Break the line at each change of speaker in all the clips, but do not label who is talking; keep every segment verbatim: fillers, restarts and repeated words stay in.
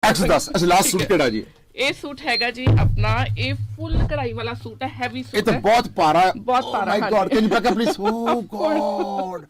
एक सौ दस। अच्छा लास्ट सूट केड़ा जी?
ਇਹ ਸੂਟ ਹੈਗਾ ਜੀ ਆਪਣਾ, ਇਹ ਫੁੱਲ ਕਢਾਈ ਵਾਲਾ ਸੂਟ ਹੈ, ਹੈਵੀ ਸੂਟ
ਇਹ ਤਾਂ ਬਹੁਤ ਭਾਰਾ,
ਬਹੁਤ ਭਾਰਾ।
My god, can you back up please? Oh god,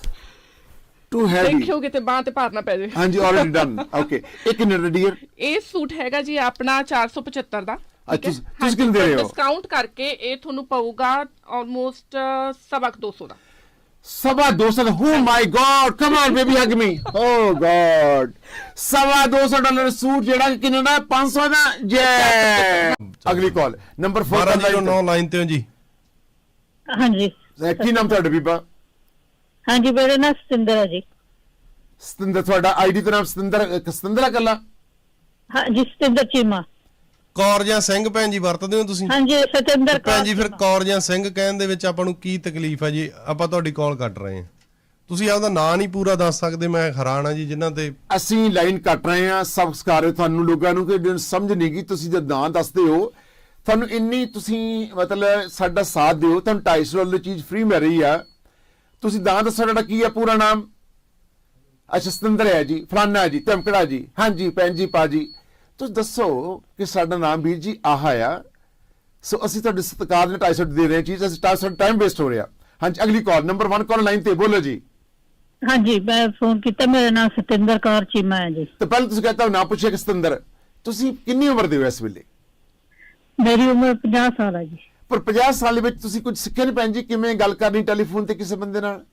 too heavy.
ਦੇਖਿਓਗੇ ਤੇ ਬਾਹ ਤੇ ਭਾਰ ਨਾ ਪੈ ਜਾਏ।
ਹਾਂਜੀ ਆਲਰੇਡੀ ਡਨ। ਓਕੇ, ਇਹ ਕਿੰਨੇ ਦਾ ਡੀਅਰ?
ਇਹ ਸੂਟ ਹੈਗਾ ਜੀ ਆਪਣਾ ਚਾਰ ਸੌ ਪਚੱਤਰ ਦਾ।
ਅੱਛਾ ਤੁਸੀਂ ਕਿੰਨੇ ਦੇ ਰਹੇ ਹੋ?
ਡਿਸਕਾਊਂਟ ਕਰਕੇ ਇਹ ਤੁਹਾਨੂੰ ਪਊਗਾ ਆਲਮੋਸਟ ਸਵਾ ਦੋ ਸੌ ਦਾ।
सवा दो सौ? Oh my god, come on baby hug me. Oh god, सवा दो सौ डॉलर सूट जेड़ा किन्ने दा? पाँच सौ दा। जे अगली कॉल नंबर फोर
बारह जीरो नौ लाइन ते हो जी।
हाँ जी,
की नाम ਤੁਹਾਡਾ ਬੀਬਾ?
हाँ जी, मेरा नाम सतिंदर है जी।
ਸਤਿੰਦਰ, ਤੁਹਾਡਾ ਆਈਡੀ ਦਾ ਨਾਮ ਸਤਿੰਦਰ ਸਤਿੰਦਰ ਕੱਲਾ?
हाँ जी, सतिंदर चीमा।
ਕੌਰ ਜਾਂ ਸਿੰਘ ਭੈਣ ਜੀ ਵਰਤਦੇ ਹੋ ਤੁਸੀਂ?
हाँ जी, सतिंदर
ਭੈਣ ਜੀ ਫਿਰ ਕੌਰ ਜਾਂ ਸਿੰਘ ਕਹਿਣ ਦੇ ਵਿੱਚ ਆਪਾਂ ਨੂੰ ਕੀ ਤਕਲੀਫ ਹੈ ਜੀ? ਆਪਾਂ ਤੁਹਾਡੀ ਕਾਲ ਕੱਟ ਰਹੇ ਹਾਂ, ਤੁਸੀਂ ਆਪਦਾ ਨਾਂ ਨਹੀਂ ਪੂਰਾ ਦੱਸ ਸਕਦੇ। ਮੈਂ ਹੈਰਾਨ ਆ ਜੀ ਜਿਨ੍ਹਾਂ ਤੇ
ਅਸੀਂ ਲਾਈਨ ਕੱਟ ਰਹੇ ਹਾਂ। ਸਬਸਕ੍ਰਾਈਬ ਤੁਹਾਨੂੰ ਲੋਕਾਂ ਨੂੰ ਕਿ ਸਮਝ ਨਹੀਂ ਗਈ, ਤੁਸੀਂ ਜਦ ਨਾਂ ਦੱਸਦੇ ਹੋ ਤੁਹਾਨੂੰ ਇੰਨੀ ਤੁਸੀਂ ਮਤਲਬ ਸਾਡਾ ਸਾਥ ਦਿਓ, ਤੁਹਾਨੂੰ ਢਾਈ ਸੌ ਡਾਲਰ ਦੀ ਚੀਜ਼ ਫ੍ਰੀ ਮਿਲ ਰਹੀ ਆ। ਤੁਸੀਂ ਨਾਂ ਦੱਸੋ ਤੁਹਾਡਾ ਕੀ ਹੈ ਪੂਰਾ ਨਾਮ? ਅੱਛਾ ਸਤਿੰਦਰ ਹੈ ਜੀ, ਫਲਾਨਾ ਹੈ ਜੀ, ਧਮਕੜਾ ਜੀ। ਹਾਂਜੀ ਭੈਣ ਜੀ, ਪਾ ਜੀ, ਤੁਸੀਂ ਦੱਸੋ ਕਿ ਸਾਡਾ ਨਾਮ ਵੀਰ ਜੀ ਆਹ ਆ। ਸੋ ਅਸੀਂ ਤੁਹਾਡੇ ਸਤਿਕਾਰ ਦੇ ਢਾਈ ਸੌ ਦੇ ਰਹੇ ਚੀਜ਼, ਅਸੀਂ ਢਾਈ ਸੌ ਟਾਈਮ ਵੇਸਟ ਹੋ ਰਿਹਾ। ਹਾਂਜੀ ਅਗਲੀ call number one call line ਤੇ, ਬੋਲੋ ਜੀ।
हाँ जी, मैं फोन किया, मेरा नाम सतिंदर कौर चीमा है जी।
तो पहले तुझे कहता हूं ना पूछे कि सतिंदर ਤੁਸੀਂ ਕਿੰਨੀ ਉਮਰ ਦੇ ਹੋ ਇਸ ਵੇਲੇ?
मेरी उम्र पचास साल है जी।
ਪਰ ਪੰਜਾਹ ਸਾਲ ਵਿੱਚ ਤੁਸੀਂ ਕੁਝ ਸਿੱਖਿਆ ਨਹੀਂ ਭੈਣ ਜੀ? ਕਿਵੇਂ ਗੱਲ ਕਰਨੀ ਟੈਲੀਫੋਨ ਤੇ ਕਿਸੇ ਬੰਦੇ ਨਾਲ?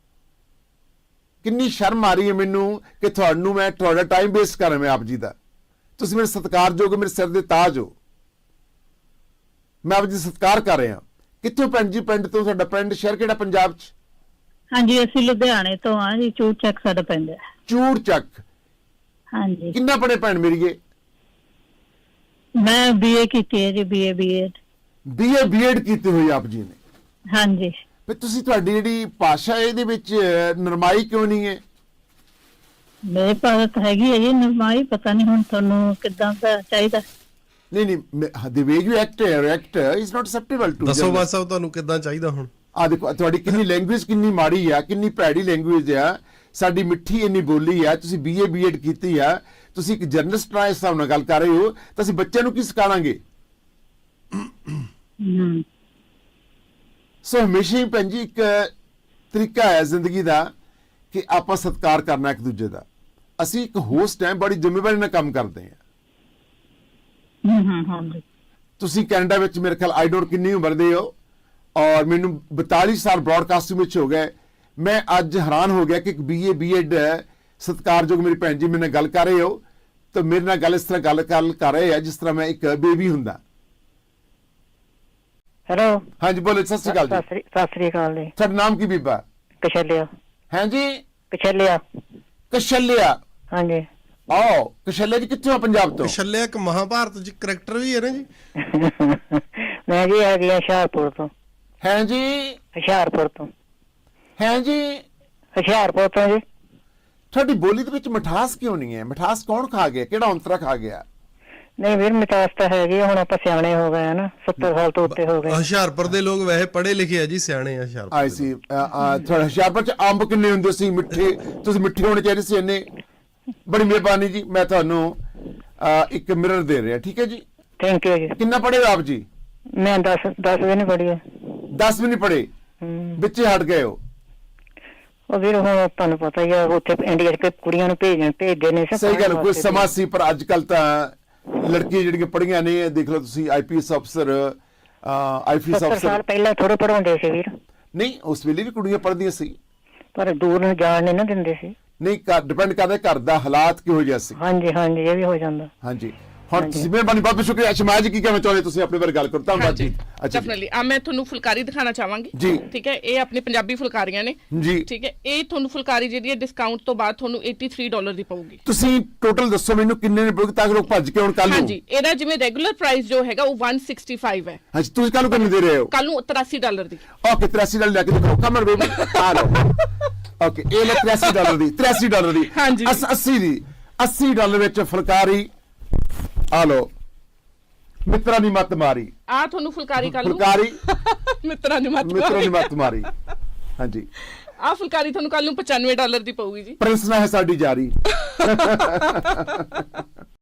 ਕਿੰਨੀ ਸ਼ਰਮ ਆ ਰਹੀ ਹੈ ਮੈਨੂੰ ਕਿ ਤੁਹਾਨੂੰ ਮੈਂ ਤੁਹਾਡਾ ਟਾਈਮ ਵੇਸਟ ਕਰ ਰਿਹਾ। ਮੈਂ ਆਪ ਜੀ ਦਾ, ਤੁਸੀਂ ਮੇਰੇ ਸਤਿਕਾਰਯੋਗ ਹੋ, ਮੇਰੇ ਸਿਰ ਦੇ ਤਾਜ ਹੋ, ਮੈਂ ਆਪ ਜੀ ਸਤਿਕਾਰ ਕਰ ਰਿਹਾ। ਕਿੱਥੋਂ ਭੈਣ ਜੀ? ਪਿੰਡ ਤੋਂ? ਤੁਹਾਡਾ ਪਿੰਡ ਸ਼ਹਿਰ ਕਿਹੜਾ ਪੰਜਾਬ ਚ?
हाँ जी, असि लुधियाने तो हाँ जी, चूड़ चक साडा पिंड है।
ਚੂੜ ਚੱਕ।
हाँ जी,
ਕਿੰਨਾ ਪੜੇ ਭੈਣ ਮੇਰੀਏ?
मैं बीए की है जी, बीए बीएड।
ਬੀਏ ਬੀਐਡ ਕੀਤੀ ਹੋਈ ਆਪ ਜੀ ਨੇ?
हाँ जी।
ਫਿਰ ਤੁਸੀਂ ਤੁਹਾਡੀ ਜਿਹੜੀ ਭਾਸ਼ਾ ਇਹਦੇ ਵਿੱਚ ਨਰਮਾਈ ਕਿਉਂ ਨਹੀਂ ਹੈ?
मेरे पास तो हैगी है जी नरमाई, पता नहीं हुण तुहानू किदां दा चाहीदा।
ਨਹੀਂ ਨਹੀਂ, the way you act react is not acceptable to
ਦੱਸੋ ਬਾਦ ਸਾਹਿਬ ਤੁਹਾਨੂੰ ਕਿੱਦਾਂ ਚਾਹੀਦਾ ਹੁਣ?
ਆ ਦੇਖੋ ਤੁਹਾਡੀ ਕਿੰਨੀ ਲੈਂਗੁਏਜ ਕਿੰਨੀ ਮਾੜੀ ਆ, ਕਿੰਨੀ ਭੈੜੀ ਲੈਂਗੁਏਜ ਆ। ਸਾਡੀ ਮਿੱਠੀ ਇੰਨੀ ਬੋਲੀ ਆ, ਤੁਸੀਂ ਬੀਏ ਬੀਐਡ ਕੀਤੀ ਆ, ਤੁਸੀਂ ਇੱਕ ਜਰਨਲਿਸਟ ਨਾਲ ਇਸ ਹਿਸਾਬ ਨਾਲ ਗੱਲ ਕਰ ਰਹੇ ਹੋ ਤਾਂ ਅਸੀਂ ਬੱਚਿਆਂ ਨੂੰ ਕੀ ਸਿਖਾਵਾਂਗੇ?
हम्म,
ਸੋ ਹਮੇਸ਼ਾ ਹੀ ਭੈਣ ਜੀ ਇੱਕ ਤਰੀਕਾ ਹੈ ਜ਼ਿੰਦਗੀ ਦਾ ਕਿ ਆਪਾਂ ਸਤਿਕਾਰ ਕਰਨਾ ਇੱਕ ਦੂਜੇ ਦਾ। ਅਸੀਂ ਇੱਕ ਹੋਸਟ ਹੈ, ਬੜੀ ਜ਼ਿੰਮੇਵਾਰੀ ਨਾਲ ਕੰਮ ਕਰਦੇ ਹਾਂ।
हम्म, हम्म, हाँ जी।
ਤੁਸੀਂ ਕੈਨੇਡਾ ਵਿੱਚ ਮੇਰੇ ਖਿਆਲ ਆਈ ਡੋਂਟ ਕਿੰਨੀ ਉਮਰ ਦੇ ਹੋ, ਔਰ ਮੈਨੂੰ ਬਤਾਲੀ ਸਾਲ ਬ੍ਰੌਡਕਾਸਟਿੰਗ ਵਿੱਚ ਹੋ ਗਏ। ਮੈਂ ਅੱਜ ਹੈਰਾਨ ਹੋ ਗਿਆ ਕਿ ਇੱਕ ਬੀਏ ਬੀਐਡ ਸਤਿਕਾਰਯੋਗ ਮੇਰੀ ਭੈਣ ਜੀ ਮੇਰੇ ਨਾਲ ਗੱਲ ਕਰ ਰਹੇ ਹੋ ਤਾਂ ਮੇਰੇ ਨਾਲ ਗੱਲ ਇਸ ਤਰ੍ਹਾਂ ਗੱਲ ਗੱਲ ਕਰ ਰਹੇ ਆ ਜਿਸ ਤਰ੍ਹਾਂ ਮੈਂ ਇੱਕ ਬੇਬੀ ਹੁੰਦਾ।
हेलो,
ਹਾਂਜੀ ਬੋਲੋ, ਸਤਿ ਸ਼੍ਰੀ ਅਕਾਲ ਜੀ।
सत श्री अकाल जी।
ਤੁਹਾਡਾ ਨਾਮ ਕੀ ਬੀਬਾ?
कछलिया।
ਹੈ ਜੀ?
कछलिया।
ਕਸ਼ਲਿਆ।
हाँ जी।
ਆਓ ਕਸ਼ਲਿਆ ਜੀ, ਕਿੱਥੋਂ ਆ? ਪੰਜਾਬ ਤੋਂ?
ਛੱਲਿਆ ਇੱਕ ਮਹਾਭਾਰਤ ਚ ਕਰੈਕਟਰ ਵੀ ਹੈ ਨਾ ਜੀ।
मैं जी आ गया हुशियारपुर तो।
ਹੈ ਜੀ?
ਹੁਸ਼ਿਆਰਪੁਰ ਤੋਂ।
ਹੈ ਜੀ?
ਹੁਸ਼ਿਆਰਪੁਰ ਤੋਂ ਜੀ।
ਤੁਹਾਡੀ ਬੋਲੀ ਦੇ ਵਿੱਚ ਮਿਠਾਸ ਕਿਉਂ ਨਹੀਂ ਹੈ? ਮਿਠਾਸ ਕੌਣ ਖਾ ਗਿਆ? ਕਿਹੜਾ ਔਂਤਰਾ ਖਾ ਗਿਆ?
ਨਹੀਂ ਵੀਰ, ਮਿਠਾਸ ਤਾਂ ਹੈਗੀ, ਹੁਣ ਆਪਾਂ ਸਿਆਣੇ ਹੋ ਗਏ ਨਾ, ਸੱਤਰ ਸਾਲ ਤੋਂ ਉੱਤੇ ਹੋ ਗਏ।
ਹੁਸ਼ਿਆਰਪੁਰ ਦੇ ਲੋਕ ਵੈਸੇ ਪੜ੍ਹੇ ਲਿਖੇ ਆ ਜੀ, ਸਿਆਣੇ ਆ ਹੁਸ਼ਿਆਰਪੁਰ
ਆਈ
ਦੇ
ਸੀ। ਤੁਹਾਡਾ ਹੁਸ਼ਿਆਰਪੁਰ ਚ ਅੰਬ ਕਿੰਨੇ ਹੁੰਦੇ ਸੀ? ਮਿੱਠੇ? ਤੁਸੀਂ ਮਿੱਠੇ ਹੋਣੇ ਚਾਹੀਦੇ ਸੀ ਇੰਨੇ। ਬੜੀ ਮਿਹਰਬਾਨੀ ਜੀ, ਮੈਂ ਤੁਹਾਨੂੰ ਅਹ, ਇੱਕ ਮਿਰਰ ਦੇ ਰਿਹਾ, ਠੀਕ ਹੈ ਜੀ?
ਥੈਂਕ ਯੂ ਜੀ।
ਕਿੰਨਾ ਪੜ੍ਹੇ ਹੋ ਆਪ ਜੀ?
ਮੈਂ ਦਸ ਦਸ ਵੀ ਨਹੀਂ ਪੜ੍ਹੀ ਹੈ।
ਦਸ ਵੀ ਨਹੀਂ ਪੜ੍ਹੇ? ਵਿੱਚੇ ਹਟ ਗਏ ਹੋ?
ਉਹ ਵੀਰ ਹੁਣ ਤੁਹਾਨੂੰ ਪਤਾ ਹੀ ਆ, ਉੱਥੇ ਇੰਡੀਆ ਚ ਕੁੜੀਆਂ ਨੂੰ ਭੇਜਣ ਭੇਜਦੇ ਨੇ।
ਸਹੀ ਗੱਲ, ਕੋਈ ਸਮਾਂ ਸੀ, ਪਰ ਅੱਜ ਕੱਲ ਤਾਂ ਲੜਕੀਆਂ ਜਿਹੜੀਆਂ ਪੜ੍ਹੀਆਂ ਨੇ, ਦੇਖ ਲਓ ਤੁਸੀਂ ਆਈਪੀਐਸ ਅਫਸਰ, ਆਈਪੀਐਸ
ਸੱਤਰ
ਅਫਸਰ।
ਸਾਲ ਪਹਿਲਾਂ ਥੋੜੇ ਪੜਾਉਂਦੇ ਸੀ ਵੀਰ।
ਨਹੀਂ, ਉਸ ਵੇਲੇ ਵੀ ਕੁੜੀਆਂ ਪੜ੍ਹਦੀਆਂ ਸੀ,
ਪਰ ਦੂਰ ਨੂੰ ਜਾਣ ਨਹੀਂ ਨਾ ਦਿੰਦੇ ਸੀ।
ਨਹੀਂ, ਡਿਪੈਂਡ ਕਰਦਾ ਘਰ ਦਾ ਹਾਲਾਤ ਕਿਹੋ ਜਿਹਾ ਸੀ।
ਹਾਂਜੀ ਹਾਂਜੀ, ਇਹ ਵੀ ਹੋ ਜਾਂਦਾ।
ਹਾਂਜੀ, ਹੁਣ ਤੁਸੀਂ ਮਿਹਰਬਾਨੀ, ਬਹੁਤ ਬਹੁਤ ਸ਼ੁਕਰੀਆ। ਸ਼ਮਾਇਆ ਜੀ ਕੀ ਕਹਿਣਾ ਚਾਹੁੰਦੇ ਤੁਸੀਂ ਆਪਣੇ ਬਾਰੇ? ਗੱਲ ਕਰੋ, ਧੰਨਵਾਦ ਜੀ। ਅੱਛਾ
ਡੈਫੀਨਿਟਲੀ ਆ ਮੈਂ ਤੁਹਾਨੂੰ ਫੁਲਕਾਰੀ ਦਿਖਾਣਾ ਚਾਹਾਂਗੀ
ਜੀ।
ਠੀਕ ਹੈ, ਇਹ ਆਪਣੀ ਪੰਜਾਬੀ ਫੁਲਕਾਰੀਆਂ ਨੇ
ਜੀ,
ਠੀਕ ਹੈ। ਇਹ ਤੁਹਾਨੂੰ ਫੁਲਕਾਰੀ ਜਿਹੜੀ ਹੈ ਡਿਸਕਾਊਂਟ ਤੋਂ ਬਾਅਦ ਤੁਹਾਨੂੰ ਤਿਰਾਸੀ ਡਾਲਰ ਦੀ ਪਊਗੀ।
ਤੁਸੀਂ ਟੋਟਲ ਦੱਸੋ ਮੈਨੂੰ ਕਿੰਨੇ ਨੇ ਪਊਗੀ ਤਾਂ ਕਿ ਲੋਕ ਭੱਜ ਕੇ ਹੁਣ ਕੱਲ ਨੂੰ।
ਹਾਂਜੀ, ਇਹਦਾ ਜਿਵੇਂ ਰੈਗੂਲਰ ਪ੍ਰਾਈਸ ਜੋ ਹੈਗਾ ਉਹ ਇੱਕ ਸੌ ਪੈਂਸਠ ਹੈ।
ਹਾਂਜੀ, ਤੁਸੀਂ ਕੱਲ ਨੂੰ ਕਿੰਨੇ ਦੇ ਰਹੇ ਹੋ?
ਕੱਲ ਨੂੰ ਤਿਰਾਸੀ ਡਾਲਰ ਦੀ।
ਓਕੇ, ਤਿਰਾਸੀ ਡਾਲਰ ਲੈ ਕੇ ਦਿਖਾਓ। ਕਮਰ ਬੇਬੀ ਆ ਲਓ। ਓਕੇ, ਇਹ ਲੈ ਤਿਰਾਸੀ ਡਾਲਰ ਦੀ, ਤਿਰਾਸੀ ਡਾਲਰ ਦੀ।
ਹਾਂਜੀ,
अस्सी ਦੀ, अस्सी ਡਾਲਰ ਵਿੱਚ ਫੁਲਕਾਰੀ ਆ ਲਓ। ਮਿੱਤਰਾਂ ਦੀ ਮੱਤ ਮਾਰੀ।
ਆ ਤੁਹਾਨੂੰ ਫੁਲਕਾਰੀ ਕੱਲ ਨੂੰ
ਫੁਲਕਾਰੀ
ਮਿੱਤਰਾਂ ਦੀ ਮੱਤ
ਮਿੱਤਰਾਂ ਦੀ ਮੱਤ ਮਾਰੀ। ਹਾਂਜੀ,
ਆ ਫੁਲਕਾਰੀ ਤੁਹਾਨੂੰ ਕੱਲ ਨੂੰ ਪਚਾਨਵੇਂ ਡਾਲਰ ਦੀ ਪਊਗੀ ਜੀ।
ਪ੍ਰਿੰਸ ਨਾ ਹੈ ਸਾਡੀ ਜਾਰੀ।